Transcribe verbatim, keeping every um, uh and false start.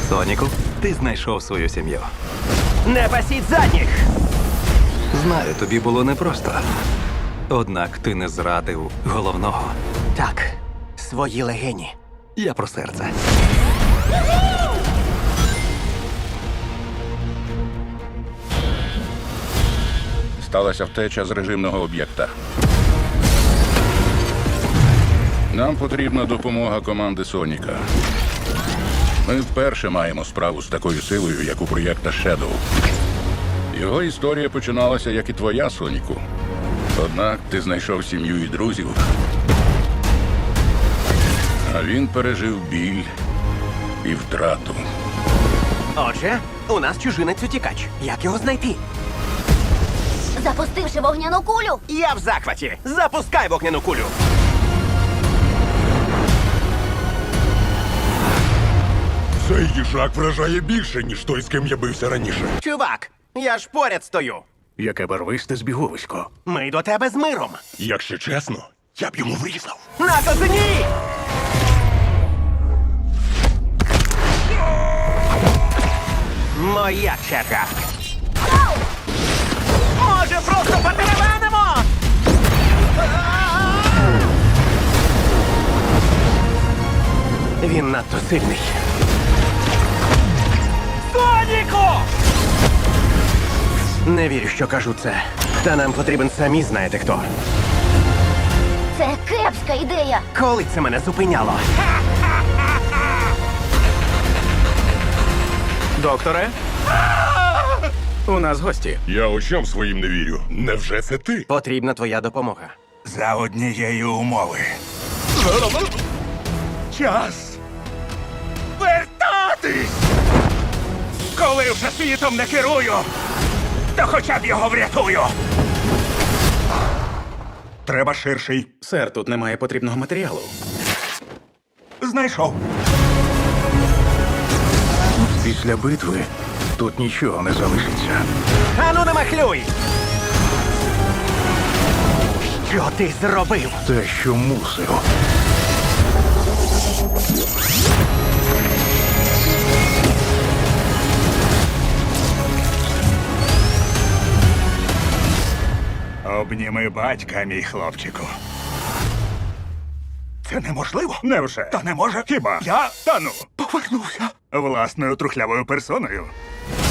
Соніку, ти знайшов свою сім'ю. Не пасіть задніх! Знаю, тобі було непросто. Однак ти не зрадив головного. Так, свої легені. Я про серце. Сталася втеча з режимного об'єкта. Нам потрібна допомога команди Соніка. Ми вперше маємо справу з такою силою, як у проєкта Shadow. Його історія починалася, як і твоя, Соніку. Однак ти знайшов сім'ю і друзів. А він пережив біль і втрату. Отже, у нас чужинець утікач. Як його знайти? Запустивши вогняну кулю. Я в захваті! Запускай вогняну кулю! Цей їжак вражає більше, ніж той, з ким я бився раніше. Чувак, я ж поряд стою. Яке барвисте збіговисько. Ми до тебе з миром. Якщо чесно, я б йому врізав. На козині! Моя черга. Може, просто потеревенимо? Він надто сильний. Соніку! Не вірю, що кажу це. Та нам потрібен самі знаєте хто. Це кепська ідея. Коли це мене зупиняло? Докторе? У нас гості. Я очам своїм не вірю. Невже це ти? Потрібна твоя допомога. За однієї умови. Час вертатись! Коли вже світом не керую, то хоча б його врятую. Треба ширший. Сер, тут немає потрібного матеріалу. Знайшов. Після битви тут нічого не залишиться. Ану, не махлюй! Що ти зробив? Те, що мусив. Обніми батька, мій хлопчику. Це неможливо. Невже? Та не може. Хіба? Я, та ну, повернувся. Власною трухлявою персоною.